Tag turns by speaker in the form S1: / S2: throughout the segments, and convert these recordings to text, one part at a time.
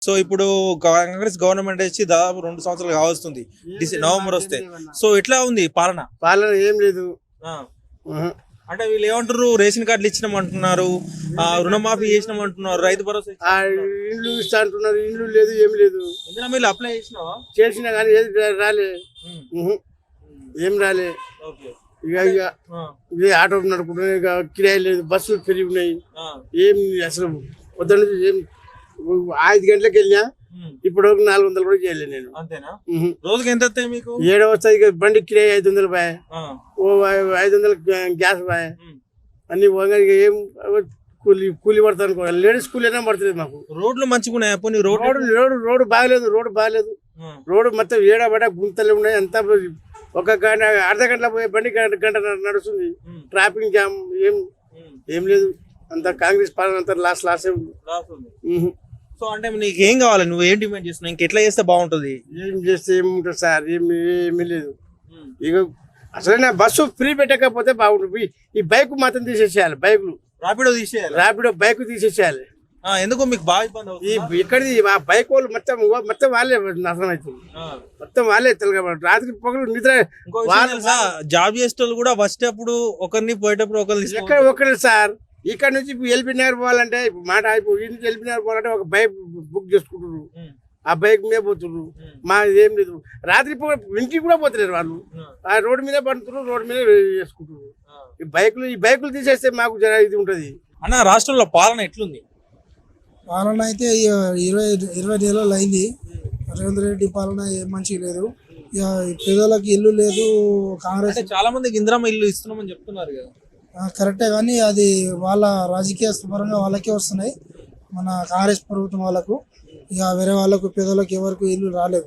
S1: So ఇప్పుడు Congress government వచ్చి దాదాపు 2 సంవత్సరాలు కావస్తుంది నవంబర్ వస్తే. సో ఎట్లా ఉంది పాలన?
S2: ఏం లేదు.
S1: అంటే వీళ్ళు ఏమంటారు, రేషన్ కార్డులు ఇచ్చినామంటున్నారు, రుణమాఫీ చేసినామంటున్నారు, రైతు భరోసా
S2: ఇండ్లు ఇస్తా అంటున్నారు. ఇండ్లు లేదు, ఏం లేదు.
S1: మీరు అప్లై చేసినావా?
S2: చేసినా కానీ ఏది రాలే, ఏం రాలే. ఇక ఆటో నడుపుకుంటున్నాయి, ఇక కిరాయి లేదు, బస్సులు పెరిగి ఉన్నాయి. ఏం అసలు పొద్దున్న నుంచి ఏం 5 గంటలకు వెళ్ళినా ఇప్పుడు 400 కూడా చేయలేదు నేను.
S1: అంతేనా? రోజుకి ఎంత వస్తాయి మీకు?
S2: 7 వస్తాయి. ఇక బండి కిరాయి 500 బాయ్, ఓ 500 గ్యాస్ బాయ్, అన్ని ఏం కూలి పడతా అనుకో. లేడీస్ కూలి అయినా పడుతుంది మాకు.
S1: రోడ్లు మంచిగా ఉన్నాయి.
S2: రోడ్డు బాగలేదు. రోడ్డు మొత్తం ఏడబడ గుంతలు ఉన్నాయి. అంతా ఒక గంట అర్ధ గంటల పోయే బండి గంట నడుస్తుంది. ట్రాఫిక్ జామ్ ఏం లేదు. అంత కాంగ్రెస్ పాలన అంతా లాస్ ఉంది.
S1: సో అంటే నీకు ఏం కావాలి? నువ్వు ఏం డిమాండ్ చేస్తున్నావు? ఇంకెట్లా చేస్తే బాగుంటుంది?
S2: ఏం చేస్తే ఏముంటుంది సార్, ఏమీ లేదు. ఇక అసలు బస్సు ఫ్రీ పెట్టకపోతే బాగుంటుంది. ఈ బైక్ మాత్రం తీసేసేయాలి. బైకులు ర్యాపిడో బైక్ తీసేసేయాలి.
S1: ఎందుకు మీకు బాగా ఇబ్బంది అవుతుంది?
S2: ఇక్కడిది ఆ బైక్ వాళ్ళు మొత్తం వాళ్ళే నాశనం అవుతుంది. మొత్తం వాళ్ళే తెలుగు. రాత్రి పొగలు నిద్ర.
S1: జాబ్ చేసే వాళ్ళు కూడా వచ్చేటప్పుడు ఒకరిని, పోయేటప్పుడు
S2: ఒకరు సార్. ఇక్కడ నుంచి ఎల్బీ నగర్ పోవాలంటే మాట అయిపోయి ఎల్బీ నగర్ పోవాలంటే ఒక బైక్ బుక్ చేసుకుంటున్నారు. ఆ బైక్ మీద పోతున్నారు. మా ఏం లేదు. రాత్రి ఇంటికి కూడా పోతున్నారు వాళ్ళు. ఆ రోడ్డు మీద పడుతున్నారు, రోడ్డు మీద చేసుకుంటున్నారు. ఈ బైకులు తీసేస్తే మాకు జర ఇది ఉంటది.
S1: అన్న, రాష్ట్రంలో పాలన ఎట్లుంది?
S3: పాలన అయితే 20 నెలలు అయింది. రేవంత్ రెడ్డి పాలన ఏం మంచిగా లేదు. ఇక పేదలకు ఇల్లు లేదు. కాంగ్రెస్
S1: చాలా మందికి ఇందిరమ్మ ఇల్లు ఇస్తున్నామని చెప్తున్నారు కదా.
S3: కరెక్టే, కానీ అది వాళ్ళ రాజకీయ పరంగా వాళ్ళకే వస్తున్నాయి, మన కాంగ్రెస్ ప్రభుత్వం వాళ్ళకు. ఇక వేరే వాళ్ళకు పేదలకు ఎవరికి ఇల్లు రాలేవు.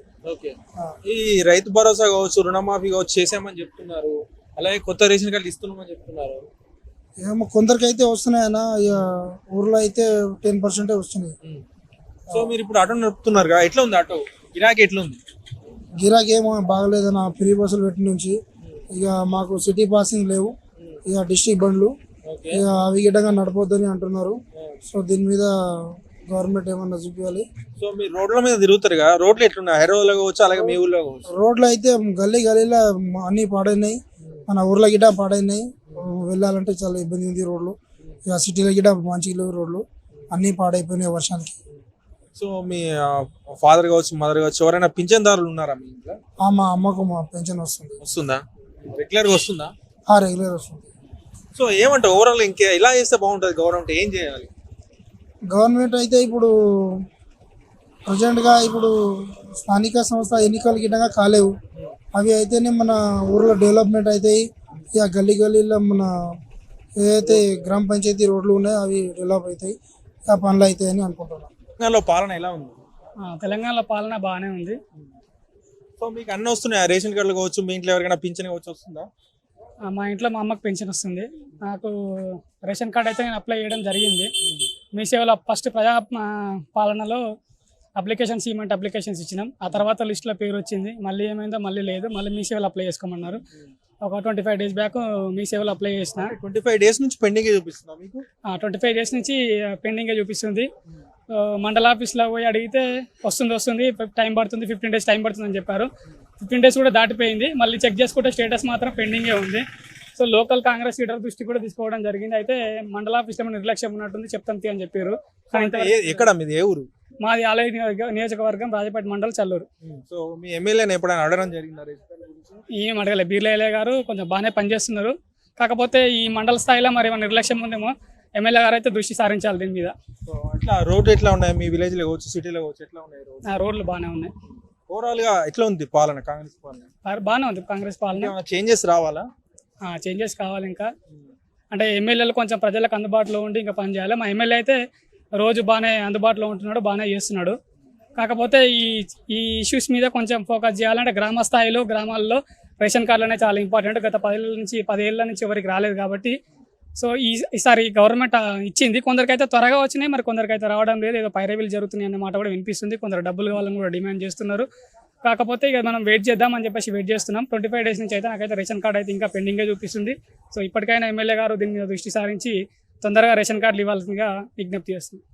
S1: ఈ రైతు భరోసా కావచ్చు, రుణమాఫీ కావచ్చు చేసామని చెప్తున్నారు. అలాగే కొత్త రేషన్ కార్డులు ఇస్తున్నామని చెప్తున్నారు.
S3: ఏమో కొందరికైతే వస్తున్నాయన్నా. ఇక ఊర్లో అయితే 10% వస్తున్నాయి.
S1: సో మీరు ఇప్పుడు ఆటో నడుపుతున్నారు కదా, ఎట్లా ఉంది ఆటో గిరాకీ? ఎట్లుంది
S3: గిరాకీ? ఏమో బాగలేదన్న. ఫ్రీ బస్సులు పెట్టి నుంచి ఇక మాకు సిటీ పాసింగ్ లేవు. ఇక డిస్ట్రిక్ట్ బండ్లు ఇక అవి గిడ్డంగా నడపొద్దని అంటున్నారు. సో దీని మీద గవర్నమెంట్ ఏమన్నా చూపించాలి.
S1: సో మీరు రోడ్ల మీద తిరుగుతారు కదా, రోడ్లు ఎట్లున్నాయి? హైదరాబాద్ కావచ్చు, అలాగే మీ ఊర్లో కావచ్చు.
S3: రోడ్లు అయితే గల్లీలో అన్ని పాడైనాయి. మన ఊర్లో గిడ్డ పాడైనాయి. వెళ్ళాలంటే చాలా ఇబ్బంది ఉంది రోడ్లు. ఇక సిటీలో గిడ్డ మంచిగా లేవు రోడ్లు, అన్ని పాడైపోయినాయి వర్షానికి.
S1: సో మీ ఫాదర్ కావచ్చు, మదర్ కావచ్చు, ఎవరైనా పింఛన్దారులు ఉన్నారా మీ ఇంట్లో?
S3: మా అమ్మకు పెన్షన్
S1: వస్తుందా? రెగ్యులర్గా వస్తుందా?
S3: రెగ్యులర్ వస్తుంది.
S1: సో ఏమంటావు ఓవరాల్ ఇంకా ఇలా చేస్తే బాగుంటుంది? గవర్నమెంట్ ఏం చేయాలి?
S3: గవర్నమెంట్ అయితే ఇప్పుడు ప్రజెంట్గా ఇప్పుడు స్థానిక సంస్థ ఎన్నికలు గిట్టగా కాలేవు. అవి అయితేనే మన ఊర్లో డెవలప్మెంట్ అవుతాయి. ఇక గల్లీలో మన ఏదైతే గ్రామ పంచాయతీ రోడ్లు ఉన్నాయో అవి డెవలప్ అవుతాయి, ఆ పనులు అవుతాయని అనుకుంటున్నాను.
S1: తెలంగాణలో పాలన ఎలా ఉంది?
S4: తెలంగాణలో పాలన బాగానే ఉంది.
S1: సో మీకు అన్నీ వస్తున్నాయి? రేషన్ కార్డులు కావచ్చు, మీ ఇంట్లో ఎవరికైనా పింఛన్ కావచ్చు వస్తుందా?
S4: మా ఇంట్లో మా అమ్మకి పెన్షన్ వస్తుంది. నాకు రేషన్ కార్డ్ అయితే నేను అప్లై చేయడం జరిగింది. మీ సేవలో ఫస్ట్ ప్రజా పాలనలో అప్లికేషన్స్ ఇచ్చినాం. ఆ తర్వాత లిస్టులో పేరు వచ్చింది. మళ్ళీ ఏమైందో మళ్ళీ లేదు. మళ్ళీ మీ సేవలో అప్లై చేసుకోమన్నారు. ఒక 25 డేస్ బ్యాక్ మీ సేవలో అప్లై చేసిన.
S1: 25 డేస్ నుంచి పెండింగ్ చూపిస్తుందా మీకు?
S4: 25 డేస్ నుంచి పెండింగే చూపిస్తుంది. మండల ఆఫీస్లో పోయి అడిగితే వస్తుంది, టైం పడుతుంది, 15 డేస్ టైం పడుతుంది అని చెప్పారు. 15 డేస్ కూడా దాటిపోయింది. మళ్ళీ చెక్ చేసుకుంటే స్టేటస్ మాత్రం పెండింగే ఉంది. సో లోకల్ కాంగ్రెస్ లీడర్ దృష్టి కూడా తీసుకోవడం జరిగింది. అయితే మండల ఆఫీస్లో నిర్లక్ష్యం ఉన్నట్టుంది, చెప్తాం అని చెప్పారు.
S1: ఎక్కడ మీది? ఏ ఊరు?
S4: మాది ఆలయ నియోజకవర్గం, రాజపేట మండలం, చల్లూరు.
S1: సో మీ ఎమ్మెల్యేని ఎప్పుడైనా అడగడం జరిగిందా?
S4: ఏం అడగలేదు. బీర్లయ్య గారు కొంచెం బాగానే పనిచేస్తున్నారు. కాకపోతే ఈ మండల స్థాయిలో మరి ఏమైనా నిర్లక్ష్యం ఉందేమో. ఎమ్మెల్యే గారు అయితే దృష్టి సారించాలి దీని మీద.
S1: అట్లా రోడ్లు ఎట్లా ఉన్నాయి మీ విలేజ్ లో కావచ్చు, సిటీలో కావచ్చు, ఎట్లా ఉన్నాయి
S4: రోడ్లు? బాగానే ఉన్నాయి.
S1: ఓవరాల్ గా ఎట్లా ఉంది పాలన? కాంగ్రెస్ పాలన
S4: బాగానే ఉంది. కాంగ్రెస్ పాలన
S1: చేంజెస్ రావాలా?
S4: చేంజెస్ కావాలి. ఇంకా అంటే ఎమ్మెల్యేలు కొంచెం ప్రజలకు అందుబాటులో ఉండి ఇంకా పని చేయాలి. మా ఎమ్మెల్యే అయితే రోజు బాగానే అందుబాటులో ఉంటున్నాడు, బాగానే చేస్తున్నాడు. కాకపోతే ఈ ఇష్యూస్ మీద కొంచెం ఫోకస్ చేయాలంటే గ్రామ స్థాయిలో, గ్రామాల్లో రేషన్ కార్డులు అనేవి చాలా ఇంపార్టెంట్. గత 10 ఏళ్ళ నుంచి ఎవరికి రాలేదు కాబట్టి. సో ఈసారి గవర్నమెంట్ ఇచ్చింది. కొందరికైతే త్వరగా వచ్చినాయి, మరి కొందరికైతే రావడం లేదు. ఏదో పైరవీలు జరుగుతున్నాయి అనే మాట కూడా వినిపిస్తుంది. కొందరు డబ్బులు కావాలని కూడా డిమాండ్ చేస్తున్నారు. కాకపోతే ఇక మనం వెయిట్ చేద్దామని చెప్పేసి వెయిట్ చేస్తున్నాం. 25 డేస్ నుంచి అయితే నాకైతే రేషన్ కార్డు అయితే ఇంకా పెండింగే చూపిస్తుంది. సో ఇప్పటికైనా ఎమ్మెల్యే గారు దీని మీద దృష్టి సారించి తొందరగా రేషన్ కార్డులు ఇవ్వాల్సిందిగా విజ్ఞప్తి చేస్తున్నాం.